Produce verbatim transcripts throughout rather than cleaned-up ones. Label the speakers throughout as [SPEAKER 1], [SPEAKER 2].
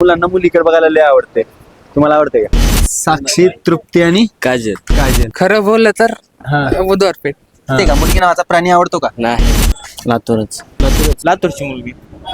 [SPEAKER 1] मुलांना मुलीकडे बघायला लय आवडते. तुम्हाला आवडते का? साक्षी, तृप्ती आणि
[SPEAKER 2] काजल.
[SPEAKER 1] काजल.
[SPEAKER 3] खरं बोललं तर
[SPEAKER 1] हा.
[SPEAKER 3] बुधवारपेठ.
[SPEAKER 1] ते का मुलगी नावाचा प्राणी आवडतो का?
[SPEAKER 2] नाही, लातूरच.
[SPEAKER 1] लातूरच. लातूरची मुलगी.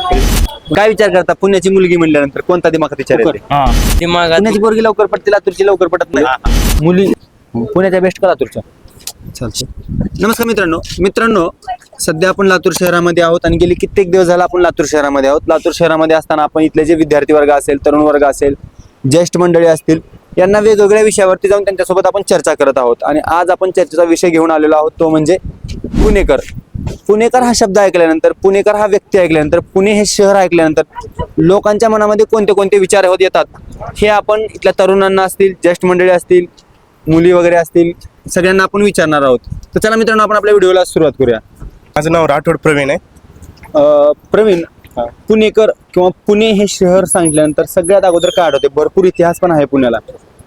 [SPEAKER 1] काय विचार करता पुण्याची मुलगी म्हणल्यानंतर कोणता दिमागात विचार येते?
[SPEAKER 3] दिमागात
[SPEAKER 1] पुण्याची पोरगी लवकर पडते, लातूरची लवकर पडत नाही. मुली पुण्याच्या बेस्ट का लातूरच्या? चालतंय. नमस्कार मित्रांनो मित्रांनो सध्या आपण लातूर शहरामध्ये आहोत आणि गेली कित्येक दिवस झाला आपण लातूर शहरामध्ये आहोत. लातूर शहरामध्ये असताना आपण इथले जे विद्यार्थी वर्ग असेल, तरुण वर्ग असेल, ज्येष्ठ मंडळी असतील, यांना वेगवेगळ्या विषयावरती जाऊन त्यांच्यासोबत आपण चर्चा करत आहोत. आणि आज आपण चर्चेचा विषय घेऊन आलेलो आहोत तो म्हणजे पुणेकर. पुणेकर हा शब्द ऐकल्यानंतर, पुणेकर हा व्यक्ती ऐकल्यानंतर, पुणे हे शहर ऐकल्यानंतर लोकांच्या मनामध्ये कोणते कोणते विचार होत येतात हे आपण इथल्या तरुणांना असतील, ज्येष्ठ मंडळी असतील, मुली वगैरे असतील, सगळ्यांना आपण विचारणार आहोत. तर चला मित्रांनो आपण आपल्या व्हिडिओला सुरुवात करूया.
[SPEAKER 4] माझं नाव राठोड प्रवीण आहे.
[SPEAKER 1] अं, प्रवीण, पुणेकर किंवा पुणे हे शहर सांगितल्यानंतर सगळ्यात अगोदर काय आठवते? भरपूर इतिहास पण आहे पुण्याला.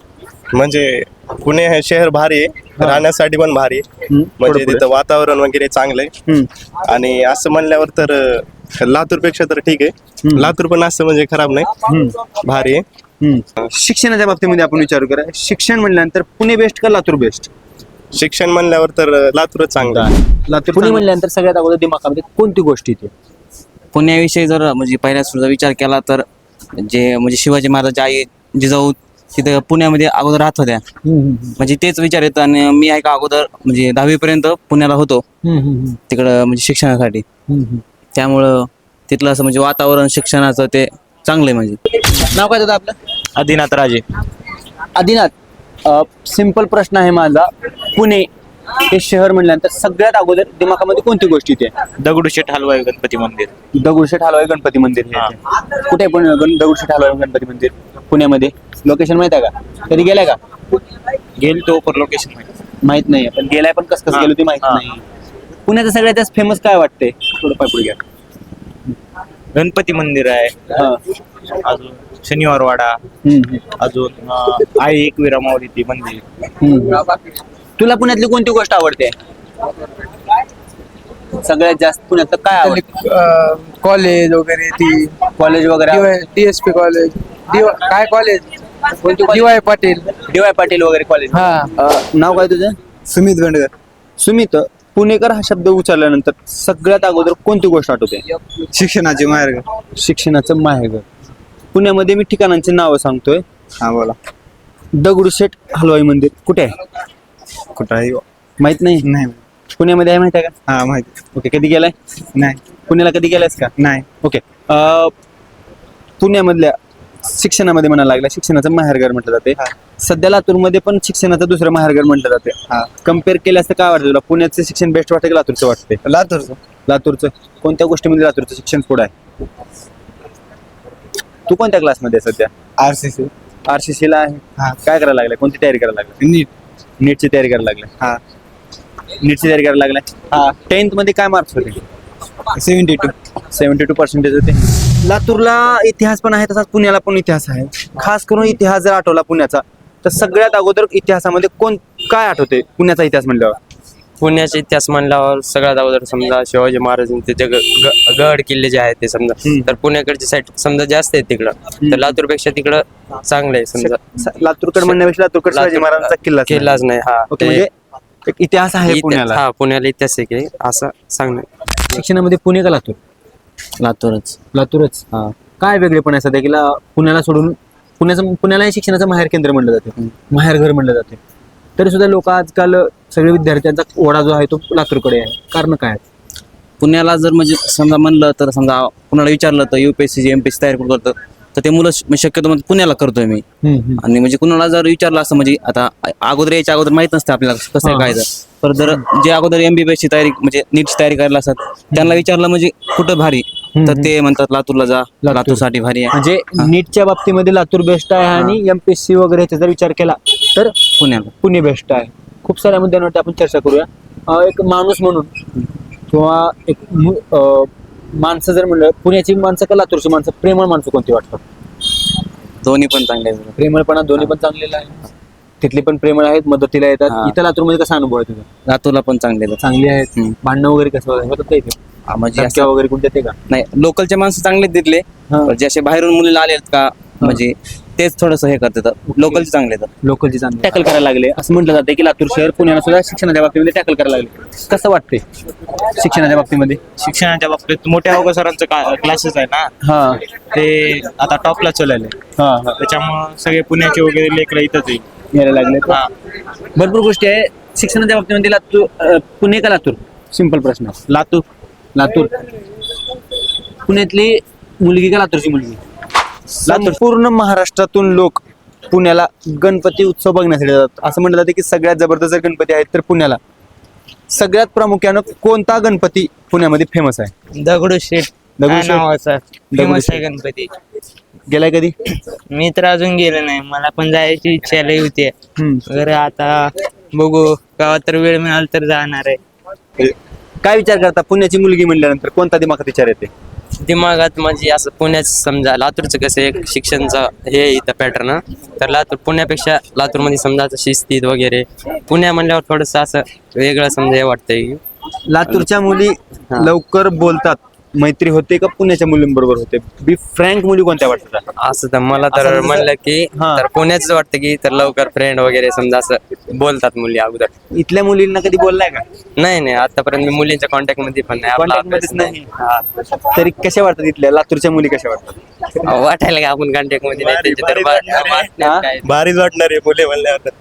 [SPEAKER 4] म्हणजे पुणे हे शहर भारी आहे, राहण्यासाठी पण भारी आहे.
[SPEAKER 1] हम्म,
[SPEAKER 4] म्हणजे
[SPEAKER 1] थोडं
[SPEAKER 4] तिथं वातावरण वगैरे चांगलं आहे.
[SPEAKER 1] हम्म,
[SPEAKER 4] आणि असं म्हणल्यावर तर लातूर पेक्षा तर ठीक आहे.
[SPEAKER 1] हम्म.
[SPEAKER 4] लातूर पण असं म्हणजे खराब नाही,
[SPEAKER 1] हम्म,
[SPEAKER 4] भारी आहे.
[SPEAKER 1] हम्म. शिक्षणाच्या बाबतीमध्ये आपण विचार करूया. शिक्षण म्हणल्यानंतर पुणे बेस्ट का लातूर बेस्ट?
[SPEAKER 4] शिक्षण म्हणल्यावर तर लातूरच चांगलं आहे.
[SPEAKER 1] लातूर. पुणे म्हणल्यानंतर सगळ्यात अगोदर दिमागामध्ये कोणती गोष्ट येते?
[SPEAKER 2] पुण्याविषयी जर म्हणजे पहिल्या सुरुचा विचार केला तर जे म्हणजे शिवाजी महाराज आई जिजाऊ तिथे पुण्यामध्ये अगोदर राहत होत्या, म्हणजे तेच विचार येतं. आणि मी आहे का अगोदर म्हणजे दहावी पर्यंत पुण्याला होतो तिकडं म्हणजे शिक्षणासाठी. त्यामुळं तिथलं असं म्हणजे वातावरण शिक्षणाचं ते चांगलं आहे. म्हणजे
[SPEAKER 1] नाव काय होतं आपलं?
[SPEAKER 2] आदिनाथ राजे.
[SPEAKER 1] आदिनाथ, सिंपल प्रश्न आहे माझा. पुणे हे शहर म्हणल्यानंतर सगळ्यात अगोदर दिमागामध्ये कोणती गोष्ट येते?
[SPEAKER 2] दगडूशेठ हलवाई गणपती मंदिर.
[SPEAKER 1] दगडूशेठ हलवाई गणपती मंदिर हे येते. कुठे पण गण- दगडूशेठ हलवाई गणपती मंदिर पुण्यामध्ये? लोकेशन माहित आहे का? कधी गेलाय का?
[SPEAKER 2] गेल तो पर लोकेशन
[SPEAKER 1] माहित नाही, पण गेलाय पण कसं कसं गेलो ते माहित नाही. पुण्याचं सगळ्यात जास्त फेमस काय वाटतंय? थोडं पाय पुढे घ्या.
[SPEAKER 2] गणपती मंदिर आहे,
[SPEAKER 1] हा.
[SPEAKER 2] अजून शनिवार वाडा,
[SPEAKER 1] हम्म,
[SPEAKER 2] अजून आई एकविरा माऊली मंदिर.
[SPEAKER 1] हम्म. तुला पुण्यातली कोणती गोष्ट आवडते सगळ्यात जास्त? पुण्यातलं काय आवडतं?
[SPEAKER 3] कॉलेज वगैरे ती
[SPEAKER 1] कॉलेज वगैरे?
[SPEAKER 3] डीएसपी कॉलेज, काय कॉलेज,
[SPEAKER 1] कोणती
[SPEAKER 3] D Y Patil.
[SPEAKER 1] D Y Patil वगैरे कॉलेज.
[SPEAKER 3] हा.
[SPEAKER 1] नाव काय तुझं?
[SPEAKER 4] सुमित बेंडकर.
[SPEAKER 1] सुमित, पुणेकर हा शब्द उच्चारल्यानंतर सगळ्यात अगोदर कोणती गोष्ट आठवते?
[SPEAKER 4] शिक्षणाचे मार्ग.
[SPEAKER 1] शिक्षणाचं माहेरघर. पुण्यामध्ये मी ठिकाणांची नावं सांगतोय.
[SPEAKER 4] हा बोला.
[SPEAKER 1] दगडूशेठ हलवाई मंदिर कुठे आहे?
[SPEAKER 4] कुठं आहे?
[SPEAKER 1] माहित नाही.
[SPEAKER 4] नाही.
[SPEAKER 1] पुण्यामध्ये आहे, माहित आहे का?
[SPEAKER 4] हा माहिती.
[SPEAKER 1] ओके. कधी गेलाय?
[SPEAKER 4] नाही.
[SPEAKER 1] पुण्याला कधी गेलायस का?
[SPEAKER 4] नाही.
[SPEAKER 1] ओके. अं, पुण्यामधल्या शिक्षणामध्ये म्हणायला लागला शिक्षणाचं माहेरघर म्हटलं जाते. सध्या लातूरमध्ये पण शिक्षणाचं दुसरं माहेरघर म्हटलं जाते.
[SPEAKER 4] हा.
[SPEAKER 1] कम्पेअर केलं असतं काय वाटतं तुला? पुण्याचं शिक्षण बेस्ट वाटतं की लातूरचं वाटते?
[SPEAKER 4] लातूरचं.
[SPEAKER 1] लातूरचं. कोणत्या गोष्टीमध्ये लातूरचं शिक्षण पुढं आहे? तू कोणत्या क्लासमध्ये आहे सध्या?
[SPEAKER 4] R C C.
[SPEAKER 1] R C C ला आहे.
[SPEAKER 4] हा.
[SPEAKER 1] काय करायला लागलाय? कोणती तयारी करायला लागलाय?
[SPEAKER 4] नीट.
[SPEAKER 1] नीटची तयारी करायला लागलाय.
[SPEAKER 4] हा.
[SPEAKER 1] नीटची तयारी करायला लागलाय.
[SPEAKER 4] हा.
[SPEAKER 1] टेन्थ मध्ये काय मार्क्स होते?
[SPEAKER 4] Seventy two.
[SPEAKER 1] Seventy two percentage होते. लातूरला इतिहास पण आहे, तसाच पुण्याला पण इतिहास आहे. खास करून इतिहास जर आठवला पुण्याचा तर सगळ्यात अगोदर इतिहासामध्ये कोण काय आठवते पुण्याचा इतिहास म्हणल्यावर?
[SPEAKER 3] पुण्याचा इतिहास म्हणल्यावर सगळ्यात अगोदर समजा शिवाजी महाराजांचे ते ग- ग- गड किल्ले जे आहेत ते समजा,
[SPEAKER 1] हम्म.
[SPEAKER 3] तर पुण्याकडची साईड समजा जास्त आहे तिकडं, तर लातूर पेक्षा तिकडं चांगलं आहे समजा.
[SPEAKER 1] स- लातूरकड म्हणण्यापेक्षा लातूरकड शिवाजी
[SPEAKER 3] लातूर-
[SPEAKER 1] महाराजांचा किल्ला
[SPEAKER 3] केलाच नाही. हा.
[SPEAKER 1] ओके.
[SPEAKER 3] ते
[SPEAKER 1] म्हणजे एक इतिहास आहे
[SPEAKER 3] इति-
[SPEAKER 1] पुण्याला.
[SPEAKER 3] हा, पुण्याला इतिहास आहे की असं सांगणं.
[SPEAKER 1] शिक्षणामध्ये पुणे का लातूर?
[SPEAKER 2] लातूरच.
[SPEAKER 1] लातूरच. हा. काय वेगळेपण आहे सध्या की ला- पुण्याला सोडून पुण्याचं पुण्याला शिक्षणाचं माहेर केंद्र म्हणलं जाते, माहेरघर म्हणलं जाते, तरी सुद्धा लोक आजकाल सगळे विद्यार्थ्यांचा ओढा जो आहे तो लातूरकडे आहे. कारण काय?
[SPEAKER 2] पुण्याला जर म्हणजे समजा म्हणलं तर समजा कुणाला विचारलं तर युपीएससी एमपीएससी तयारी कुठं करतं तर ते मुलं श- म्हणजे शक्यतो म्हणजे पुण्याला करतोय मी. आणि म्हणजे कुणाला जर विचारलं असं म्हणजे आता अगोदर याच्या अगोदर माहित नसतं आपल्याला कसं आहे काय तर. तर जर जे अगोदर एमबीबीएसची तयारी म्हणजे नीटची तयारी करायला असतात त्यांना विचारलं म्हणजे कुठं भारी, तर ते म्हणतात लातूरला जा, लातूरसाठी भारी आहे.
[SPEAKER 1] म्हणजे नीटच्या बाबतीमध्ये लातूर बेस्ट आहे आणि एमपीएससी वगैरे ह्याचा जर विचार केला तर
[SPEAKER 2] पुण्याला
[SPEAKER 1] पुणे बेस्ट आहे. खूप साऱ्या मुद्द्यांवरती आपण चर्चा करूया. अं, एक माणूस म्हणून किंवा एक मु- अं, माणसं जर म्हणलं पुण्याची माणसं का लातूरची माणसं, प्रेमळ माणसं कोणती वाटतात?
[SPEAKER 2] दोन्ही पण चांगले आहेत.
[SPEAKER 1] प्रेमळपणा दोन्ही पण चांगलेलं आहे. तिथली पण प्रेमळ आहेत, मदतीला येतात.
[SPEAKER 2] हा.
[SPEAKER 1] इथं लातूरमध्ये कसा अनुभव आहे तुझा?
[SPEAKER 2] लातूरला पण चांगले आहेत.
[SPEAKER 1] चांगली आहेत.
[SPEAKER 2] हम्म.
[SPEAKER 1] भांडणं वगैरे कसं होतात का इथे?
[SPEAKER 2] हा, म्हणजे
[SPEAKER 1] धमक्या
[SPEAKER 2] असं-
[SPEAKER 1] वगैरे कोणत्या ते का?
[SPEAKER 2] नाही, लोकलचे माणसं चांगले तिथले,
[SPEAKER 1] हा.
[SPEAKER 2] पण जे असे बाहेरून मुलीला आले आहेत का म्हणजे तेच थोडंसं हे करतात लोकलचे चांगले तर
[SPEAKER 1] लोकलची चांगली टॅकल करायला लागले असं म्हटलं जातं की लातूर शहर पुण्याला सुद्धा शिक्षणाच्या बाबतीमध्ये टॅकल करायला लागले. कसं वाटते शिक्षणाच्या बाबतीमध्ये?
[SPEAKER 5] शिक्षणाच्या बाबतीत मोठ्या अवघड सरांचं क्लासेस आहे ना,
[SPEAKER 1] हा
[SPEAKER 5] ते आता टॉपला चालले.
[SPEAKER 1] हा हा
[SPEAKER 5] त्याच्यामुळं सगळे पुण्याचे वगैरे लेकरं इथंच आहे.
[SPEAKER 1] यायला लागले.
[SPEAKER 5] हा.
[SPEAKER 1] भरपूर गोष्टी आहे शिक्षणाच्या बाबतीमध्ये. लातूर अं, पुणे का लातूर? सिंपल प्रश्न आहे.
[SPEAKER 5] लातूर
[SPEAKER 1] लातूर. पुण्यातली मुलगी का लातूरची मुलगी? संपूर्ण महाराष्ट्रातून लोक पुण्याला गणपती उत्सव बघण्यासाठी जातात. असं म्हटलं जातं की सगळ्यात जबरदस्त जर गणपती आहेत तर पुण्याला सगळ्यात प्रामुख्यानं कोणता गणपती पुण्यामध्ये फेमस आहे?
[SPEAKER 3] दगडूशेठ
[SPEAKER 1] दगडूशेठ.
[SPEAKER 3] नावाचा फेमस
[SPEAKER 1] दगडूशेठ.
[SPEAKER 3] आहे गणपती.
[SPEAKER 1] गेलाय कधी?
[SPEAKER 3] मी तर अजून गेलो नाही, मला पण जायची इच्छा लई होती.
[SPEAKER 1] हम्म.
[SPEAKER 3] तर आता बघू, केव्हा तर वेळ मिळाल तर जाणार आहे.
[SPEAKER 1] काय विचार करता पुण्याची मुलगी म्हणल्यानंतर कोणता दिमागात विचार येते?
[SPEAKER 3] दिमागात म्हणजे असं पुण्याचं समजा लातूरचं कसं एक शिक्षणचं हे आहे इथं पॅटर्न, तर लातूर पुण्यापेक्षा लातूरमध्ये समजा असं शिस्तीत वगैरे, पुण्या म्हणल्यावर थोडंसं असं वेगळं समजा हे वाटतंय की
[SPEAKER 1] लातूरच्या मुली लवकर बोलतात, मैत्री होते का पुण्याच्या मुलींबरोबर होते? बी फ्रँक मुली कोणत्या वाटतात?
[SPEAKER 3] असं तर मला
[SPEAKER 1] असं
[SPEAKER 3] तर
[SPEAKER 1] जसं-
[SPEAKER 3] म्हणलं की
[SPEAKER 1] हा.
[SPEAKER 3] तर पुण्याच वाटतं की तर लवकर फ्रेंड वगैरे समजा असं बोलतात मुली अगोदर.
[SPEAKER 1] इथल्या मुलींना कधी बोललाय का?
[SPEAKER 3] नाही नाही आतापर्यंत मी मुलींच्या कॉन्टॅक्ट मध्ये पण नाही, आपला
[SPEAKER 1] Contact
[SPEAKER 3] अभ्यास
[SPEAKER 1] मध्येच
[SPEAKER 3] नाही. हा.
[SPEAKER 1] तरी कशा वाटतात इथल्या लातूरच्या मुली कशा वाटतात?
[SPEAKER 3] अहो, वाटायला का आपण कॉन्टॅक्ट मध्ये नाही
[SPEAKER 4] भारी-
[SPEAKER 3] त्यांची तर
[SPEAKER 4] भारी
[SPEAKER 3] बा-
[SPEAKER 4] वाटणार आहे.
[SPEAKER 3] वाटण्यात
[SPEAKER 1] हा?
[SPEAKER 3] काय.
[SPEAKER 4] भारीच वाटणार आहे मुले म्हणल्यावर.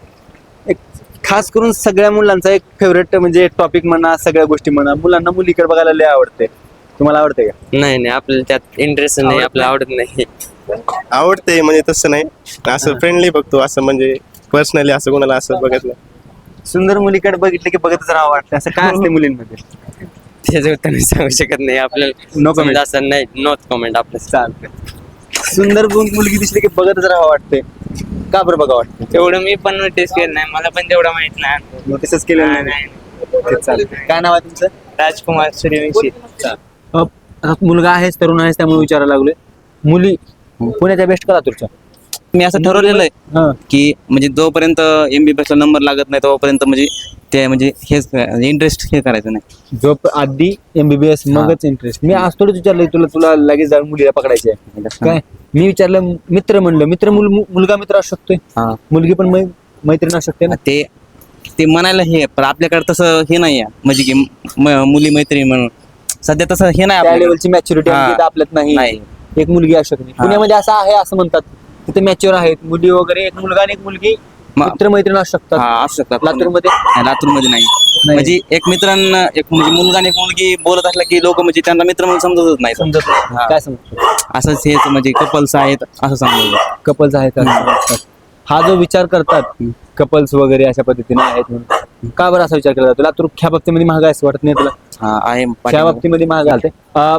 [SPEAKER 1] एक खास करून सगळ्या मुलांचा एक फेवरेट म्हणजे टॉपिक म्हणा, सगळ्या गोष्टी म्हणा, मुलांना मुलीकडे बघायला लय आवडते. तुम्हाला आवडते का?
[SPEAKER 3] नाही नाही आपल्याला त्यात इंटरेस्ट नाही, आपल्याला आवडत नाही.
[SPEAKER 4] आवडते म्हणजे तसं नाही, असं फ्रेंडली बघतो, असं म्हणजे पर्सनली असं कोणाला असं बघत नाही.
[SPEAKER 1] सुंदर मुलीकडे बघितलं की बघतच राहावं वाटतं. असं काय असते मुलींमध्ये?
[SPEAKER 3] त्याचं उत्तर मी सांगू शकत नाही आपल्याला.
[SPEAKER 1] No comment.
[SPEAKER 3] समजा असं नाही, नोट कमेंट आपलं.
[SPEAKER 1] चालतंय. सुंदर गुण मुलगी दिसली की बघतच राहावं वाटते. का बरं बघा वाटतं?
[SPEAKER 3] तेवढं मी पण नोटीस केलं नाही, मला पण तेवढं माहित नाही.
[SPEAKER 1] नोटीसच केलं
[SPEAKER 3] नाही,
[SPEAKER 1] नाही.
[SPEAKER 3] नाही.
[SPEAKER 1] ते चालतंय. काय नाव आहे तुमचं?
[SPEAKER 3] राजकुमार सूर्यवंशी.
[SPEAKER 1] अ, आता मुलगा आहेस, तरुण आहेस, त्यामुळे विचारायला लागलोय. मुली पुण्याच्या बेस्ट का लातूरच्या?
[SPEAKER 2] मी असं ठरवलेलं आहे
[SPEAKER 1] हा.
[SPEAKER 2] की म्हणजे जोपर्यंत एमबीबीएस ला नंबर लागत नाही तोपर्यंत म्हणजे ते म्हणजे हेच इंटरेस्ट हे करायचं नाही.
[SPEAKER 1] जो प- आधी एमबीबीएस मगच इंटरेस्ट. मी आज थोडंच विचारलं तुला तुला लगेच जाऊन मुलीला पकडायची आहे काय? मी विचारलं मित्र म्हणलं. मित्र मुल मुलगा मित्र असू शकतोय,
[SPEAKER 2] हा
[SPEAKER 1] मुलगी पण मै- मैत्रीण असू शकते ना.
[SPEAKER 2] ते ते म्हणायला हे पण आपल्याकडे तसं हे नाही आहे म्हणजे की म- मुली मैत्री म्हणून सध्या तसं हे नाही
[SPEAKER 1] त्या
[SPEAKER 2] आपल्याकडे.
[SPEAKER 1] लेवलची मॅच्युरिटी
[SPEAKER 2] हा.
[SPEAKER 1] आपल्यात नाही.
[SPEAKER 2] नाही.
[SPEAKER 1] एक मुलगी असू शकते.
[SPEAKER 2] हा.
[SPEAKER 1] पुण्यामध्ये असं आहे असं म्हणतात, तिथे मॅच्युअर आहेत मुली वगैरे. एक मुलगा आणि एक मुलगी
[SPEAKER 2] म-
[SPEAKER 1] मित्र मैत्रीण असू
[SPEAKER 2] हा
[SPEAKER 1] शकतात.
[SPEAKER 2] असू शकतात
[SPEAKER 1] लातूरमध्ये
[SPEAKER 2] लातूरमध्ये नाही. म्हणजे एक मित्रांना एक म्हणजे मुलगा आणि एक मुलगी बोलत असला की लोक म्हणजे त्यांना मित्र म्हणून समजतच नाही.
[SPEAKER 1] समजत नाही.
[SPEAKER 2] हा.
[SPEAKER 1] काय समजतं?
[SPEAKER 2] असंच हेच म्हणजे कपल्स आहेत असं समजलं.
[SPEAKER 1] कपल्स आहेत असं समजतात. हा जो विचार करतात कपल्स वगैरे अशा पद्धतीने आहेत म्हणून, का बरं असा विचार केला जातो? लातूर ह्या बाबतीमध्ये महाग आहे असं वाटत नाही तुला?
[SPEAKER 2] हा आहे
[SPEAKER 1] त्या
[SPEAKER 2] पाठीमागं.
[SPEAKER 1] बाबतीमध्ये महाग आलते. अं,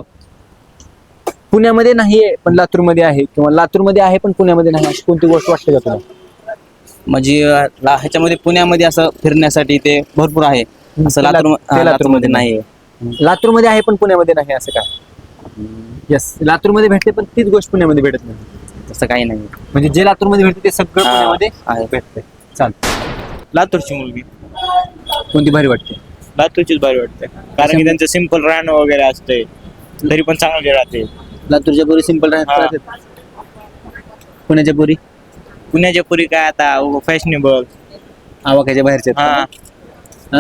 [SPEAKER 1] पुण्यामध्ये नाहीये पण लातूरमध्ये आहे, किंवा लातूरमध्ये आहे पण पुण्यामध्ये नाही, अशी कोणती गोष्ट वाटते का तुला?
[SPEAKER 2] म्हणजे अं, ला- ह्याच्यामध्ये पुण्यामध्ये असं फिरण्यासाठी ते भरपूर आहे असं
[SPEAKER 1] ते
[SPEAKER 2] लातूर
[SPEAKER 1] लातूर- ते
[SPEAKER 2] हा,
[SPEAKER 1] लातूरमध्ये
[SPEAKER 2] लातूरमध्ये नाही.
[SPEAKER 1] लातूरमध्ये आहे पण पुण्यामध्ये नाही असं काय? येस, लातूरमध्ये भेटते पण तीच गोष्ट पुण्यामध्ये भेटत नाही.
[SPEAKER 2] तसं काही नाही.
[SPEAKER 1] म्हणजे जे लातूरमध्ये भेटते ते सगळं
[SPEAKER 2] हा,
[SPEAKER 1] पुण्यामध्ये
[SPEAKER 2] आहे.
[SPEAKER 1] भेटते. चाल,
[SPEAKER 5] लातूरची मुलगी
[SPEAKER 1] कोणती भारी वाटते?
[SPEAKER 5] लातूरचीच भारी वाटते, कारण की त्यांचं सिंपल राहणं वगैरे असते, तरी पण चांगले राहते.
[SPEAKER 1] लातूरच्या पोरी सिंपल
[SPEAKER 5] हा.
[SPEAKER 1] राहतात, पुण्याच्या पोरी
[SPEAKER 5] पुण्याच्या पुरी काय आता फॅशनेबल.
[SPEAKER 1] आवाक्याच्या बाहेरच्या
[SPEAKER 5] हा
[SPEAKER 1] आहेत का? हा?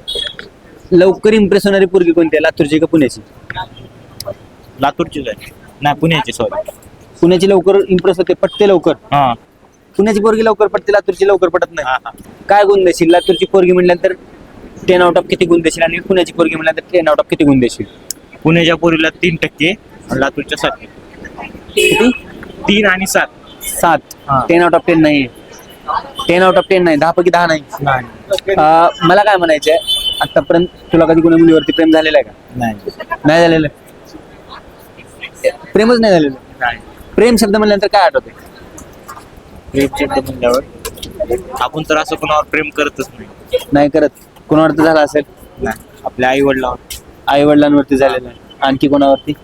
[SPEAKER 1] लवकर इम्प्रेस होणारी पोरगी कोणती आहे, लातूरची का पुण्याची?
[SPEAKER 5] लातूरचीच आहे, नाही पुण्याची, सॉरी.
[SPEAKER 1] पुण्याची लवकर इम्प्रेस होते, पटते लवकर.
[SPEAKER 5] हा
[SPEAKER 1] पुण्याची पोरगी लवकर पटते, लातूरची लवकर पटत
[SPEAKER 5] हा,
[SPEAKER 1] नाही.
[SPEAKER 5] हा.
[SPEAKER 1] काय गुण देशील? लातूरची पोरगी म्हटल्यानंतर टेन आउट ऑफ किती गुण देशील, आणि पुण्याची पोरगी म्हटल्यानंतर टेन आउट ऑफ किती गुण देशील?
[SPEAKER 5] पुण्याच्या पुरीला तीन टक्के आणि लातूरच्या सात टक्के.
[SPEAKER 1] किती?
[SPEAKER 5] तीन आणि सात.
[SPEAKER 1] सात.
[SPEAKER 5] हा.
[SPEAKER 1] टेन आउट ऑफ टेन नाही, टेन आउट ऑफ टेन नाही, दहा पैकी दहा नाही. अं, मला काय म्हणायचंय, आतापर्यंत तुला कधी कोणा मुलीवरती प्रेम झालेलं आहे का?
[SPEAKER 5] नाही
[SPEAKER 1] नाही झालेलं. प्रेमच नाही झालेलं.
[SPEAKER 5] नाही.
[SPEAKER 1] प्रेम शब्द म्हणल्यानंतर काय आठवते?
[SPEAKER 5] प्रेम शब्द म्हणल्यावर आपण तर असं कोणावर प्रेम करतच नाही.
[SPEAKER 1] नाही करत. कोणावर तर झाला असेल?
[SPEAKER 5] नाही, आपल्या आई वडिलावर.
[SPEAKER 1] आई वडिलांवरती झालेलं आहे. आणखी कोणावरती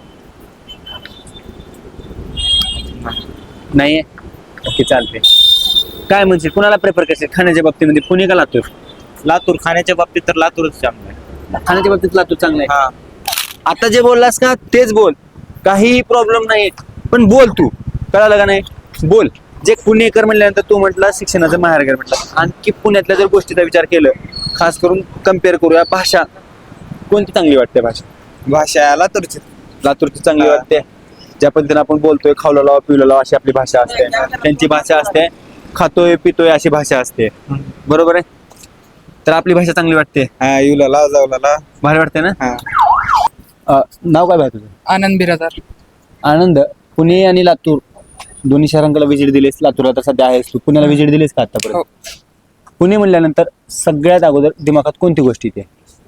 [SPEAKER 1] नाहीये? ओके, चालते. काय म्हणशील, कुणाला प्रेफर करशील खाण्याच्या बाबतीमध्ये, पुणे का लातूर?
[SPEAKER 5] लातूर खाण्याच्या बाबतीत तर लातूरच चांगलं आहे.
[SPEAKER 1] खाण्याच्या बाबतीत लातूर चांगलं आहे.
[SPEAKER 5] हा
[SPEAKER 1] आता जे बोललास का तेच बोल, काही प्रॉब्लेम नाही, पण बोल तू. कळालं का नाही? बोल. जे पुणेकर म्हणल्यानंतर तू म्हटलं शिक्षणाचं माहेरघर म्हटलं, आणखी पुण्यातल्या जर गोष्टीचा विचार केलं, खास करून कम्पेअर करूया, भाषा कोणती चांगली वाटते? भाषा
[SPEAKER 6] भाषा लातूरची.
[SPEAKER 1] लातूरची चांगली वाटते. ज्या पद्धतीने आपण बोलतोय, खावला लावा पिवला लावा अशी आपली भाषा असते, त्यांची भाषा असते खातोय पितोय अशी भाषा असते, बरोबर आहे? तर आपली भाषा चांगली वाटते,
[SPEAKER 6] हा युला ला जाऊला
[SPEAKER 1] भारी वाटते ना?
[SPEAKER 6] हा.
[SPEAKER 1] अ, नाव काय भाई तुझं?
[SPEAKER 7] आनंद बिरादार.
[SPEAKER 1] आनंद. पुणे आणि लातूर दोन्ही शहरांकडे विजिट दिलीस, लातूरला तर सध्या आहेस तू, पुण्याला विजिट दिलीस का आतापर्यंत? पुणे म्हणल्यानंतर सगळ्यात अगोदर दिमागात कोणती गोष्ट येते?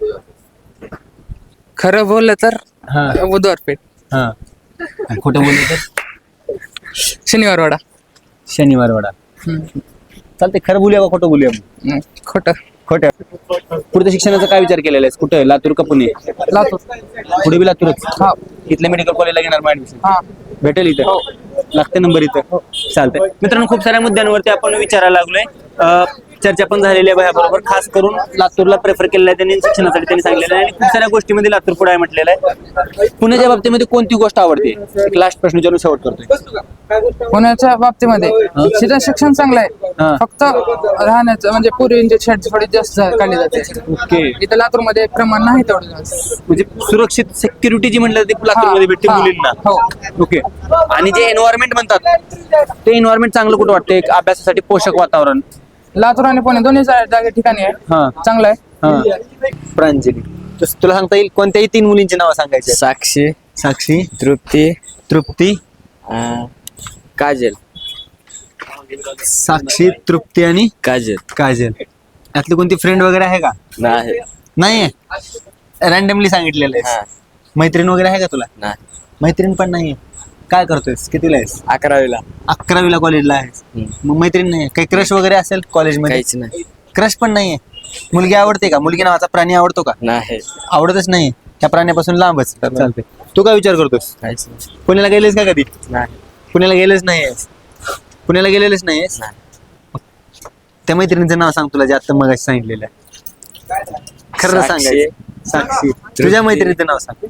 [SPEAKER 7] खरं बोललं तर
[SPEAKER 1] हा
[SPEAKER 7] बुधवारपेठ,
[SPEAKER 1] हा आणि खोटं बोललं तर
[SPEAKER 7] शनिवारवाडा.
[SPEAKER 1] शनिवार वाडा. चालते. खरं बोलूया का खोटं बोलूया?
[SPEAKER 7] हम्म, खोटं.
[SPEAKER 1] खोटं. पुढच्या शिक्षणाचा काय विचार केलेला आहेस? कुठं, लातूर का पुणे?
[SPEAKER 7] लातूर.
[SPEAKER 1] पुढे बी लातूरच.
[SPEAKER 7] हा.
[SPEAKER 1] इथल्या मेडिकल कॉलेजला घेणार मग ऍडमिशन?
[SPEAKER 7] हा.
[SPEAKER 1] भेटेल इथं? लागते नंबर इथं? चालतंय. मित्रांनो, खूप साऱ्या मुद्द्यांवरती आपण विचारायला लागलोय. अं, चर्चा पण झालेली आहे बरोबर. खास करून लातूरला प्रेफर केलेलं आहे त्यांनी शिक्षणासाठी, त्यांनी सांगितलेलं आहे आणि खूप साऱ्या गोष्टीमध्ये लातूर पुढे आहे म्हटलेलं आहे. पुण्याच्या बाबतीमध्ये कोणती गोष्ट आवडते? एक लास्ट प्रश्न विचारून शेवट करतोय.
[SPEAKER 7] पुण्याच्या बाबतीमध्ये शिक्षण शिक्षण चांगलं
[SPEAKER 1] हा.
[SPEAKER 7] आहे, फक्त राहण्याचं म्हणजे पूर्वीचे शेड थोडी जास्त काढली जाते.
[SPEAKER 1] ओके.
[SPEAKER 7] इथं लातूरमध्ये प्रमाण नाही तेवढं जास्त.
[SPEAKER 1] म्हणजे सुरक्षित सिक्युरिटी जी म्हणलं ते लातूरमध्ये भेटते
[SPEAKER 7] हा.
[SPEAKER 1] मुलींना.
[SPEAKER 7] हो.
[SPEAKER 1] ओके. आणि जे एन्व्हायरमेंट म्हणतात ते एन्व्हायरमेंट चांगलं कुठं वाटतं? एक अभ्यासासाठी पोषक वातावरण.
[SPEAKER 7] लातूर आणि पुणे दोन्ही जा- जागे ठिकाणी आहे,
[SPEAKER 1] हा.
[SPEAKER 7] चांगलं आहे.
[SPEAKER 1] हा. प्रांजली, तस- तुला सांगता येईल कोणत्याही तीन मुलींची नावं सांगायची?
[SPEAKER 3] साक्षी,
[SPEAKER 1] साक्षी,
[SPEAKER 3] तृप्ती,
[SPEAKER 1] तृप्ती,
[SPEAKER 3] अं, काजल.
[SPEAKER 1] साक्षी, तृप्ती आणि
[SPEAKER 3] काजल
[SPEAKER 1] काजल. यातली कोणती फ्रेंड वगैरे आहे का?
[SPEAKER 3] नाही.
[SPEAKER 1] नाहीये. रॅन्डमली सांगितलेलं आहे.
[SPEAKER 3] हा.
[SPEAKER 1] मैत्रीण वगैरे आहे का तुला?
[SPEAKER 3] नाही.
[SPEAKER 1] मैत्रीण पण नाहीये. काय करतोयस? कितीला आहेस?
[SPEAKER 3] अकरावीला.
[SPEAKER 1] अकरावीला कॉलेजला आहेस. मग मैत्रीण नाही? काही क्रश वगैरे असेल कॉलेजमध्ये?
[SPEAKER 3] काहीच नाही.
[SPEAKER 1] क्रश पण नाहीये. मुलगी आवडते का? मुलगी नावाचा प्राणी आवडतो का?
[SPEAKER 3] नाही.
[SPEAKER 1] आवडतच नाही. त्या प्राण्यापासून लांबच. चालते. तू काय विचार करतोस?
[SPEAKER 3] काहीच नाही.
[SPEAKER 1] पुण्याला गेलेस का कधी?
[SPEAKER 3] नाही.
[SPEAKER 1] पुण्याला गेलेच नाहीयेस? पुण्याला गेलेलेच नाहीयेस? त्या मैत्रिणीचं नाव सांग तुला जे आता मग सांगितलेलं आहे. खरं
[SPEAKER 3] साक्षी.
[SPEAKER 1] सांगायचं. साक्षी. तुझ्या मैत्रिणीचं नाव सांग.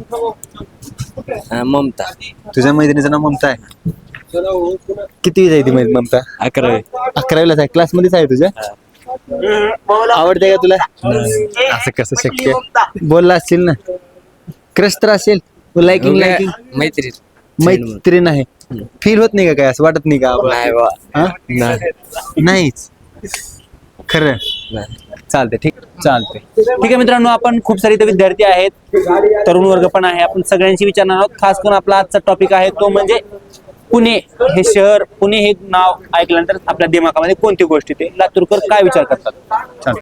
[SPEAKER 3] अं, ममता.
[SPEAKER 1] तुझ्या मैत्रिणीचं नाव ममता आहे. किती आहे ती मैत्रीण ममता?
[SPEAKER 3] अकरावी.
[SPEAKER 1] अकरावीलाच आहे. क्लासमध्येच आहे तुझ्या? आवडते का तुला? असं कसं शक्य? बोलला असशील ना. क्रश तर असेल. लाइकिंग लाइकिंग
[SPEAKER 3] मैत्री.
[SPEAKER 1] मैत्रीण आहे. फील होत नाही का काय? असं वाटत नाही का?
[SPEAKER 3] नाही बा.
[SPEAKER 1] हा?
[SPEAKER 3] नाही.
[SPEAKER 1] नाहीच. खरं
[SPEAKER 3] नाही.
[SPEAKER 1] चालते. ठीक चालते. ठीक आहे मित्रांनो, आपण खूप सारे इथे विद्यार्थी आहेत, तरुण वर्ग पण आहे, आपण सगळ्यांशी विचारणार आहोत. खास करून आपला आजचा टॉपिक आहे तो म्हणजे पुणे हे शहर. पुणे हे नाव ऐकल्यानंतर आपल्या दिमागामध्ये कोणती गोष्ट येते? लातूरकर काय विचार करतात? चालतं.